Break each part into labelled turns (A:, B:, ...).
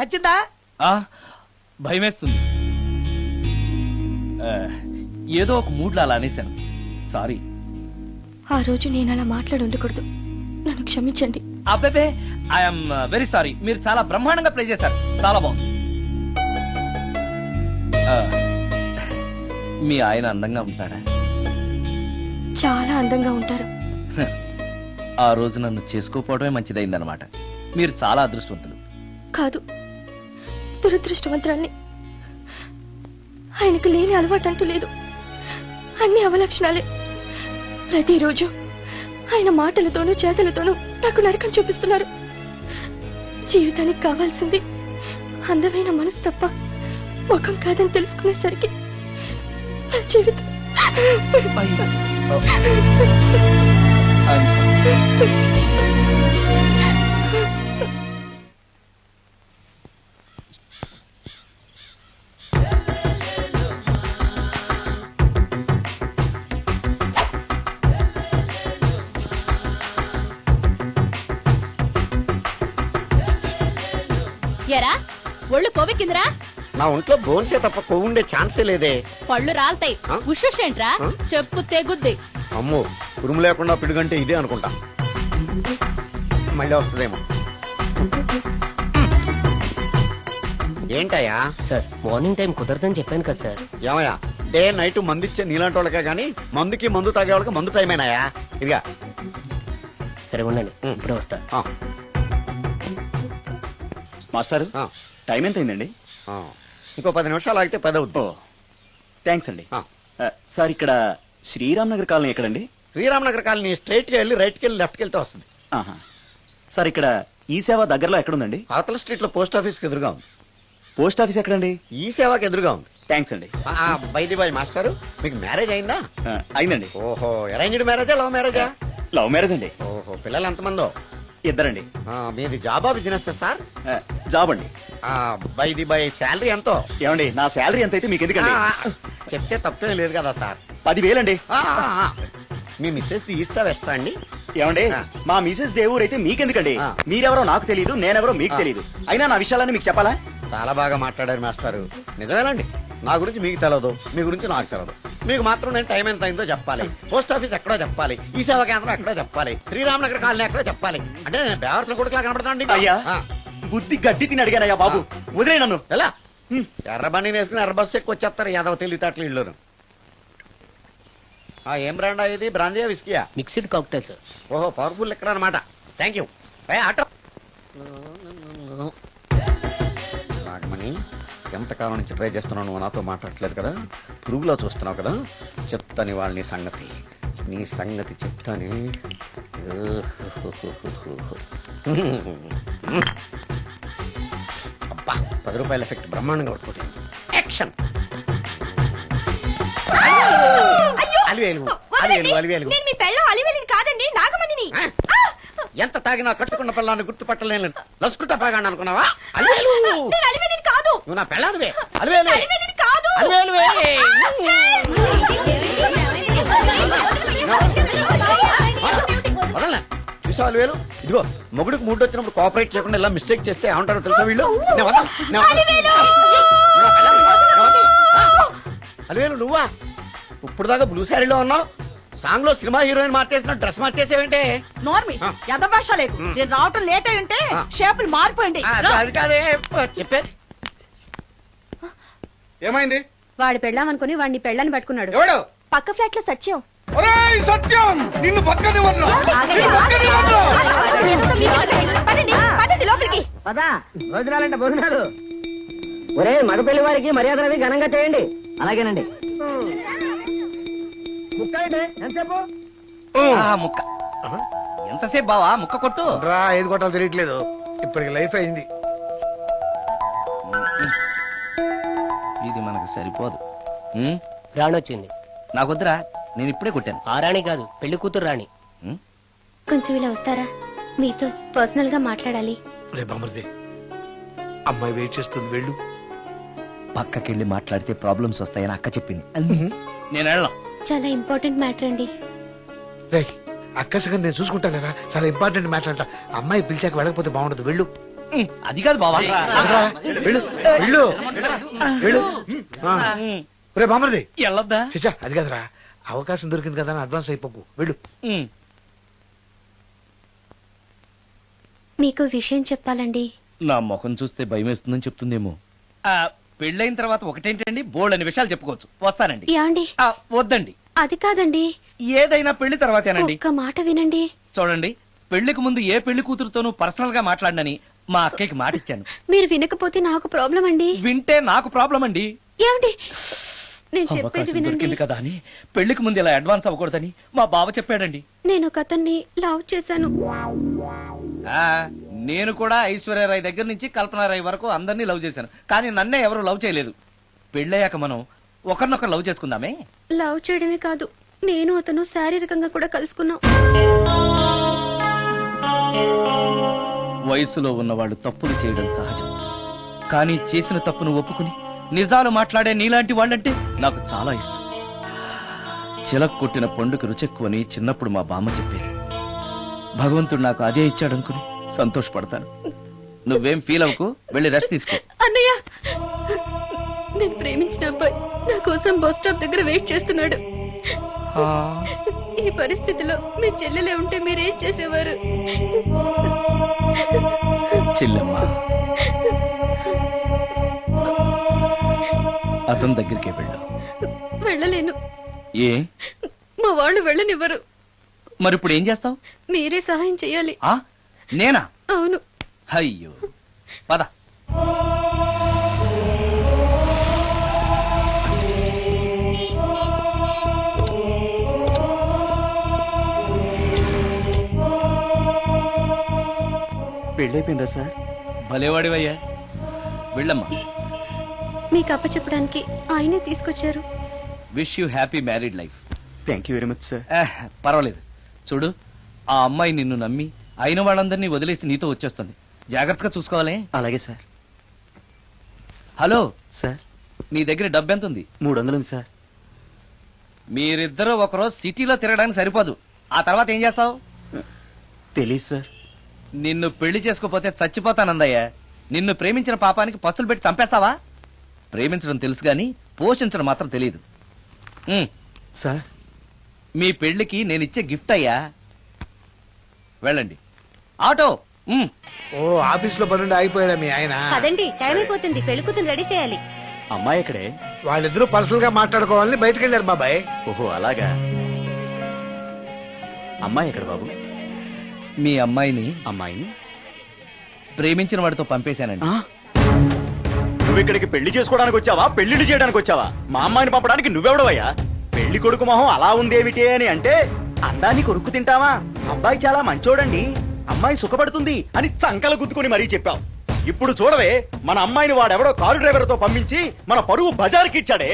A: నచ్చిందా?
B: భయమేస్తుంది. ఏదో ఒక మూడ్లో అలా అనేశాను. సారీ.
C: ఆ రోజు నేను అలా మాట్లాడి ఉండకూడదు, నన్ను క్షమించండి.
B: అబ్బే, ఐఎమ్ వెరీ సారీ. మీరు చాలా బ్రహ్మాండంగా ప్లే చేశారు, చాలా బాగుంది. మీ ఆయన అందంగా ఉంటాడా?
C: చాలా అందంగా ఉంటారు.
B: ఆ రోజు నన్ను చేసుకోపోవడమే మంచిదైందనమాట. మీరు చాలా అదృష్టవంతులు.
C: కాదు, దురదృష్టవంతురాల్ని. ఆయనకు లేని అలవాటు అంటూ లేదు, అన్ని అవలక్షణాలే. ప్రతిరోజు ఆయన మాటలతోనూ చేతలతోనూ నాకు నరకం చూపిస్తున్నారు. జీవితానికి కావాల్సింది అందమైన మనసు తప్ప ముఖం కాదని తెలుసుకునేసరికి నా జీవితం
D: ఎరా ఒళ్ళు కొవ్వెక్కిందిరా?
A: నా ఒంట్లో బోన్సే తప్ప కొవ్వు ఉండే ఛాన్సే లేదే.
D: పళ్ళు రాల్తాయి. ఉషేంట్రా? చెప్పు తెగుద్ది.
A: అమ్మో, ఉరుము లేకుండా పిడుగంటే ఇదే అనుకుంటా. మళ్ళీ వస్తుందేమో. ఏంటయ్యా?
E: సార్, మార్నింగ్ టైం కుదరదని చెప్పాను కదా సార్.
A: ఏమయ్యా, డే నైట్ మందు ఇచ్చే నీలాంటి వాళ్ళకే గానీ మందుకి మందు తాగే వాళ్ళకి మందు టైమేనాయా? ఇదిగా
E: సరే ఉండండి, ఇప్పుడే వస్తా.
F: మాస్టర్, టైం ఎంత అయిందండి?
A: ఇంకో 10 నిమిషాలు ఆగితే 10 అవుతుంది.
F: థ్యాంక్స్ అండి. సార్, ఇక్కడ శ్రీరామ్ నగర్ కాలనీ ఎక్కడండి?
A: శ్రీరామ్ నగర్ కాలనీ స్ట్రైట్ గా వెళ్ళి రైట్ కి వెళ్ళి లెఫ్ట్ కి వెళ్తే వస్తుంది.
F: సార్, ఇక్కడ ఈ సేవ దగ్గరలో ఎక్కడుందండి?
A: అవతల స్ట్రీట్ లో పోస్ట్ ఆఫీస్ కి ఎదురుగా ఉంది.
F: పోస్ట్ ఆఫీస్ ఎక్కడండి?
A: ఈ సేవకి ఎదురుగా ఉంది.
F: థ్యాంక్స్ అండి.
A: బైది బాయ్ మాస్టర్, మీకు మ్యారేజ్ అయిందా?
F: అయిందండి.
A: ఓహో, అరేంజ్డ్ మ్యారేజా లవ్ మ్యారేజా?
F: లవ్ మ్యారేజ్ అండి.
A: ఓహో, పిల్లలు ఎంతమందో?
F: ఇద్దరండి.
A: మీది జాబా బిజినెస్ సార్?
F: జాబ్ అండి.
A: బైది బాయ్ శాలరీ ఎంతో?
F: ఏమండి, నా శాలరీ ఎంత అయితే మీకు ఎందుకండి?
A: చెప్తే తప్పేం లేదు కదా సార్.
F: 10,000 అండి.
A: మీ మిస్సెస్ తీస్తా వేస్తా అండి.
F: ఏమండి, మా మిసెస్ దేవూర్ అయితే మీకెందుకండి? మీరెవరో నాకు తెలియదు, నేనెవరో మీకు తెలియదు. అయినా నా విషయాలని మీకు చెప్పాలా?
A: చాలా బాగా మాట్లాడారు మాస్టారు. నిజమేనండి, నా గురించి మీకు తెలదు, మీ గురించి నాకు తెలదు. మీకు మాత్రం నేను టైం ఎంత అయిందో చెప్పాలి, పోస్ట్ ఆఫీస్ ఎక్కడో చెప్పాలి, ఈ సేవా కేంద్రం ఎక్కడో చెప్పాలి, శ్రీరామ్ నగర్ కాలనీ ఎక్కడో చెప్పాలి. అంటే నేను బేవర్స్ కొడుకులా కనపడతాను.
F: అయ్యా, బుద్ధి గడ్డి తిని అడిగానయ్యా బాబు, వదిలే నన్ను.
A: ఎలా ఎర్ర బండి వేసుకుని ఎర్ర బస్సు ఎక్కువ వచ్చేస్తారు యాదవ తెలివితేటలు ఇల్లు. ఏం బ్రాండా ఇది? బ్రాంజియా విస్కియా?
E: Mixed cocktail sir.
A: ఓహో, పవర్ఫుల్ ఎక్కడ అనమాట. Thank you. ఆటో నాగమణి, ఎంతకాలం నుంచి ట్రై చేస్తున్నావు, నువ్వు నాతో మాట్లాడట్లేదు కదా, పురుగులో చూస్తున్నావు కదా, చెప్తాని వాళ్ళ నీ సంగతి చెప్తాని. అబ్బా, 10 రూపాయల ఎఫెక్ట్ బ్రహ్మాండంగా పట్టుకోండి. యాక్షన్. ఎంత తాగినా కట్టుకున్న పిల్లాన్ని గుర్తుపట్టలేను లసుకుంటా పాగాను అనుకున్నావా? అలివేలు నువ్వు నా పిల్లానివే. అలివేలు అలివేలువే. వదలనా? చూసావు అలివేలు? ఇదిగో, మొగుడికి మూడు వచ్చినప్పుడు కోఆపరేట్ చేయకుండా ఇలా మిస్టేక్ చేస్తే ఏమంటారో తెలుసా వీళ్ళు? అలివేలు నువ్వా? ఇప్పుడు దాకా బ్లూ శారీలో ఉన్నావు, సాంగ్ లో సినిమా హీరోయిన్ మార్చేసిన డ్రెస్ మార్చేసేవంటే?
D: నార్మల్ యథభాష లేదు. నేను రావటం లేట్ అయి ఉంటే షేపులు మారిపోయింది.
A: అది కాదే చెప్పేది.
G: ఏమైంది?
C: వాడు పెళ్ళామనుకుని వాడిని పెళ్ళని పట్టుకున్నాడు.
G: ఎవడు?
C: పక్క ఫ్లాట్ లో సత్యం.
G: సత్యం, నిన్ను పక్కనివ్వను.
D: లోపలికి
E: భోజనాలంటే భోజనాలు. ఒరే, మగ పెళ్లి వారికి మర్యాదలవి ఘనంగా చేయండి. అలాగేనండి.
B: ముక్క ఎంతసేపు బావా? ముక్క కొట్టు.
G: ఏది కొట్టాలో తెలియట్లేదు, ఇప్పటికి లైఫ్ అయింది.
B: ఇది మనకు సరిపోదు.
E: రాణొచ్చింది.
B: నాకొద్దురా, నేను ఇప్పుడే కొట్టాను.
E: ఆ రాణి కాదు, పెళ్లి కూతురు రాణి.
C: కొంచెం ఇలా వస్తారా? మీతో పర్సనల్ గా మాట్లాడాలి.
G: బామర్ది, అమ్మాయి వెయిట్ చేస్తుంది, వెళ్ళు.
B: పక్కకెళ్ళి మాట్లాడితే ప్రాబ్లమ్స్ వస్తాయని అక్క చెప్పింది. నేను వెళ్ళను.
C: చాలా ఇంపార్టెంట్ మ్యాటర్ అండి.
G: అక్కసగా నేను చూసుకుంటాను కదా, చాలా ఇంపార్టెంట్ మ్యాటర్ అంట. అమ్మాయి పిలిచాక వెళ్ళకపోతే బాగుండదు, వెళ్ళు.
B: అది కాదు బావా.
G: వెళ్ళు వెళ్ళు వెళ్ళు ఆ. రే బామర్ది
B: వెళ్ళొద్దా?
G: చిచ్చా అది కదరా అవకాశం దొరికింది కదా అని అడ్వాన్స్ అయిపోకు వెళ్ళు.
C: మీకు విషయం చెప్పాలండి.
B: నా ముఖం చూస్తే భయం వేస్తుందని చెప్తుందేమో. పెళ్ళైన తర్వాత ఒకటేంటండి, బోల్డ్ అనే విషయాలు చెప్పుకోవచ్చు. వస్తానండి.
C: యాండి
B: వద్దండి,
C: అది కాదండి,
B: ఏదైనా పెళ్లి తర్వాతేనండి.
C: ఒక్క మాట వినండి.
B: చూడండి, పెళ్లికి ముందు ఏ పెళ్లి కూతురుతోనూ పర్సనల్ గా మాట్లాడనని మా అక్కకి మాట ఇచ్చాను.
C: మీరు వినకపోతే నాకు ప్రాబ్లం అండి.
B: వింటే నాకు ప్రాబ్లం అండి.
C: ఏమండి, నేను చెప్పేది
B: అవకాశం
C: వినండి.
B: దొరికింది కదా అని పెళ్లికి ముందు ఇలా అడ్వాన్స్ అవ్వకూడదని మా బావ చెప్పాడండి.
C: నేను ఒక అతన్ని లవ్ చేశాను.
B: నేను కూడా ఐశ్వర్యరాయ్ దగ్గర నుంచి కల్పనారాయ్ వరకు అందరినీ లవ్ చేశాను, కానీ నన్నే ఎవరు లవ్ చేయలేదు. పెళ్ళయ్యాక మనం ఒకరినొకరు లవ్ చేసుకుందామే.
C: లవ్ చేయడమే కాదు, నేను అతను శారీరకంగా కూడా కలుసుకున్నాం.
B: వయసులో ఉన్నవాళ్ళు తప్పులు చేయడం సహజం, కానీ చేసిన తప్పును ఒప్పుకుని నిజాలు మాట్లాడే నీలాంటి వాళ్ళంటే నాకు చాలా ఇష్టం. చిలక కొట్టిన పండుగ రుచెక్కువని చిన్నప్పుడు మా బామ్మ చెప్పేది. భగవంతుడు నాకు అదే ఇచ్చాడనుకుని సంతోషపడతాను. నువ్వేం ఫీల్ అవ్వకు, వెళ్ళి రెస్ట్ తీసుకో.
C: అన్నయ్య, నేను ప్రేమించిన అబ్బాయి నా కోసం బస్ స్టాప్ దగ్గర వెయిట్ చేస్తున్నాడు. ఈ పరిస్థితిలో మీ చెల్లెలే ఉంటే మీరేం చేసేవారు?
B: చెల్లెమ్మ, అతని దగ్గరికే వెళ్ళు.
C: వెళ్ళలేను,
B: ఏ?
C: మా వాళ్ళు వెళ్ళనివ్వరు.
B: మరి ఇప్పుడు ఏం చేస్తావు?
C: మీరే సహాయం చెయ్యాలి.
B: నేనా?
C: అవును.
B: అయ్యో, పద.
F: పెళ్ళైపోయిందా సార్?
B: భలేవాడివయ్యా, వెళ్ళమ్మా.
C: మీకు అప్పచెప్పడానికి ఆయనే తీసుకొచ్చారు.
B: Wish you happy married life.
F: Thank you very much sir.
B: పర్వాలేదు. చూడు, ఆ అమ్మాయి నిన్ను నమ్మి అయిన వాళ్ళందరినీ వదిలేసి నీతో వచ్చేస్తుంది. జాగ్రత్తగా చూసుకోవాలి.
F: అలాగే సార్.
B: హలో
F: సార్,
B: నీ దగ్గర డబ్బు ఎంత ఉంది?
F: 300 ఉంది సార్.
B: మీరిద్దరూ ఒకరోజు సిటీలో తిరగడానికి సరిపోదు. ఆ తర్వాత ఏం చేస్తావు?
F: తెలీదు సార్.
B: నిన్ను పెళ్లి చేసుకోపోతే చచ్చిపోతానందయ్యా. నిన్ను ప్రేమించిన పాపానికి పస్తులు పెట్టి చంపేస్తావా? ప్రేమించడం తెలుసు గాని పోషించడం మాత్రం తెలియదు.
F: సార్,
B: మీ పెళ్లికి నేనిచ్చే గిఫ్ట్ అయ్యా. వెళ్ళండి. ఆటో.
G: ఓ ఆఫీస్ లో పనుండి ఆగిపోయాడా మీ ఆయన?
D: అదండి, టైం అయిపోతుంది, పెళ్లి కూతురు రెడీ చేయాలి.
F: అమ్మాయి ఎక్కడే?
G: వాళ్ళిద్దరూ పర్సనల్ గా మాట్లాడుకోవాలని బయటకు వెళ్ళారు బాబాయ్.
F: ఓహో అలాగా. అమ్మాయి ఎక్కడ బాబు?
B: మీ అమ్మాయిని
F: అమ్మాయిని
B: ప్రేమించిన వాడితో పంపేశానండి.
F: నువ్వు ఇక్కడికి పెళ్లి చేసుకోవడానికి వచ్చావా, పెళ్లిళ్ళు చేయడానికి వచ్చావా? మా అమ్మాయిని పంపడానికి నువ్వెవడవయ్యా? పెళ్లి కొడుకు మొహం అలా ఉందేమిటి అని అంటే అందాన్ని కొరుక్కు తింటావా? అబ్బాయి చాలా మంచోడండి, అమ్మాయి సుఖపడుతుంది అని చంకలు గుద్దుకుని మరీ చెప్పావు. ఇప్పుడు చూడవే, మన అమ్మాయిని వాడెవడో కారు డ్రైవర్ తో పంపించి మన పరువు బజార్కి ఇచ్చాడే.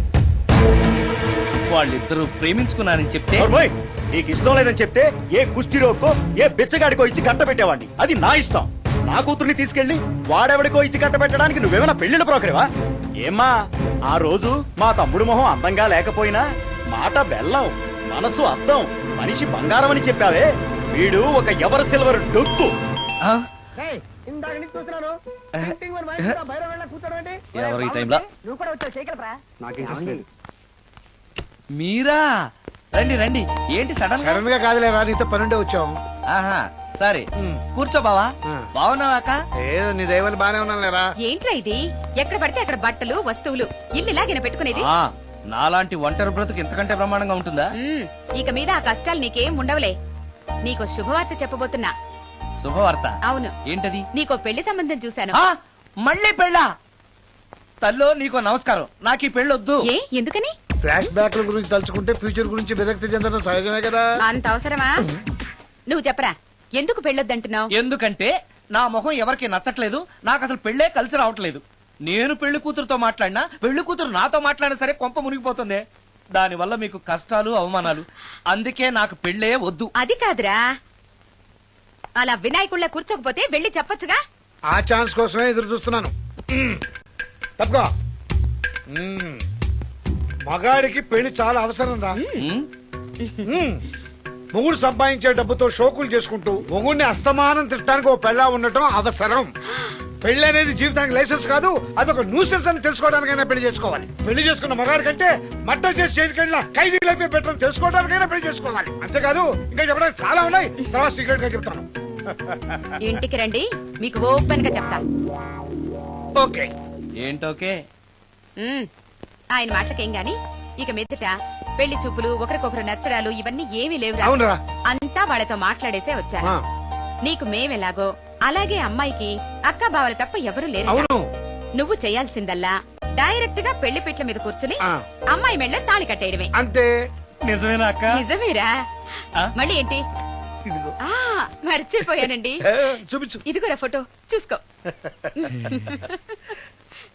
B: వాళ్ళిద్దరూ ప్రేమించుకున్నారని చెప్తే
F: నోర్మోయ్, నీకు ఇష్టం లేదని చెప్తే ఏ కుష్టిరోకో ఏ బిచ్చగాడికో ఇచ్చి కట్ట పెట్టేవాడిని. అది నా ఇష్టం. నా కూతుర్ని తీసుకెళ్లి వాడెవడికో ఇచ్చి కట్ట పెట్టడానికి నువ్వేమైనా పెళ్లిళ్ళ బ్రోకరేవా? ఏమ్మా, ఆ రోజు మా తమ్ముడు మొహం అందంగా లేకపోయినా మాట బెల్లం, మనసు అద్దం, మనిషి బంగారం అని చెప్పావే. వీడు ఒక ఎవరు సిల్వర్ డొక్కు.
E: ఇందాక నుంచి చూస్తున్నాను.
B: ఎవరు ఈ టైంలో?
E: నువ్వు కూడా వచ్చావు, చేయగలరా?
B: మీరా? రండి రండి. ఏంటి సడన్ గా?
G: సడన్ గా కాదులేవా, నీతో పనుండే వచ్చాం.
B: ఆహా, సరే కూర్చో బావా. బావున్నావాక?
G: ఏదో నీ దైవాలు బానే ఉన్నాను లేరా.
D: ఏంట్రా ఇది? ఎక్కడ పడితే అక్కడ బట్టలు వస్తువులు ఇల్లు ఇలాగిన పెట్టుకునేది.
B: నాలాంటి ఒంటరి బ్రతుకు ఎంతకంటే బ్రహ్మాండంగా ఉంటుందా?
D: ఇక మీద ఆ కష్టాలు నీకేం ఉండవులే. నీకో శుభవార్త చెప్పబోతున్నా.
B: శుభవార్త?
D: అవును.
B: ఏంటది?
D: నీకో పెళ్లి సంబంధం చూశాను.
B: మళ్ళీ పెళ్ళా? తల్లో నీకో నమస్కారం, నాకు ఈ పెళ్ళొద్దు.
D: ఏ, ఎందుకని?
G: ఫ్లాష్ బ్యాక్ గురించి తలుచుకుంటే ఫ్యూచర్ గురించి విరక్తి చెందడం సహజమే కదా.
D: అంత అవసరమా? నువ్వు చెప్పరా, ఎందుకు పెళ్ళొద్దంటున్నావు?
B: ఎందుకంటే నా మొహం ఎవరికి నచ్చట్లేదు, నాకు అసలు పెళ్ళే కలిసి రావట్లేదు. నేను పెళ్లి కూతురుతో మాట్లాడినా, పెళ్లి కూతురు నాతో మాట్లాడినా సరే కొంప మునిగిపోతుంది. దానివల్ల మీకు కష్టాలు అవమానాలు. అందుకే నాకు పెళ్ళే వద్దు.
D: అది కాదురా, అలా వినాయకుళ్ళ కూర్చోకపోతే వెళ్ళి చెప్పొచ్చుగా.
G: ఆ ఛాన్స్ కోసమే ఎదురు చూస్తున్నాను. తప్పుకో. మగాడికి పెళ్లి చాలా అవసరం రా.
H: మొగుడు సంపాదించే డబ్బుతో షోకులు చేసుకుంటూ మొగుడిని అస్తమానం తిట్టడానికి ఓ పెళ్ళా ఉండటం అవసరం. పెళ్లి అనేది జీవితానికి లైసెన్స్ కాదు, అదొక న్యూసెన్స్ అని తెలుసుకోవడానికైనా పెళ్లి చేసుకోవాలి. పెళ్లి చేసుకున్న మగాడి కంటే మట్ట చేసి చేతికెళ్ళిన ఖైదీ లైఫ్ బెటర్ అని తెలుసుకోవడానికైనా పెళ్లి చేసుకోవాలి. అంతేకాదు ఇంకా చెప్పడానికి చాలా ఉన్నాయి, తర్వాత సీక్రెట్ గా చెప్తాను.
D: ఇంటికి రండి, మీకు ఓపెన్ గా చెప్తాను.
H: ఓకే.
B: ఏంటోకే?
D: ఆయన మాటలకేం గాని ఇక మీదట పెళ్లి చూపులు, ఒకరికొకరు నచ్చడాలు ఇవన్నీ ఏమీ లేవు.
H: అవునరా?
D: అంతా వాళ్ళతో మాట్లాడేసే వచ్చారు.
H: ఆ.
D: నీకు మేమెలాగో అలాగే అమ్మాయికి అక్క బావలు తప్ప ఎవరు లేరు.
H: అవును.
D: నువ్వు చేయాల్సిందల్లా డైరెక్ట్ గా పెళ్లి పీటల మీద కూర్చుని
H: ఆ.
D: అమ్మాయి మెళ్ళ తాళి కట్టేయడమే.
H: అంతే.
F: నిజమేనా అక్క?
D: నిజమేరా? మళ్ళీ ఏంటి?
H: ఇదిగో.
D: ఆ మర్చిపోయానండి.
H: చూపించు.
D: ఇదిగోరా ఫోటో చూసుకో.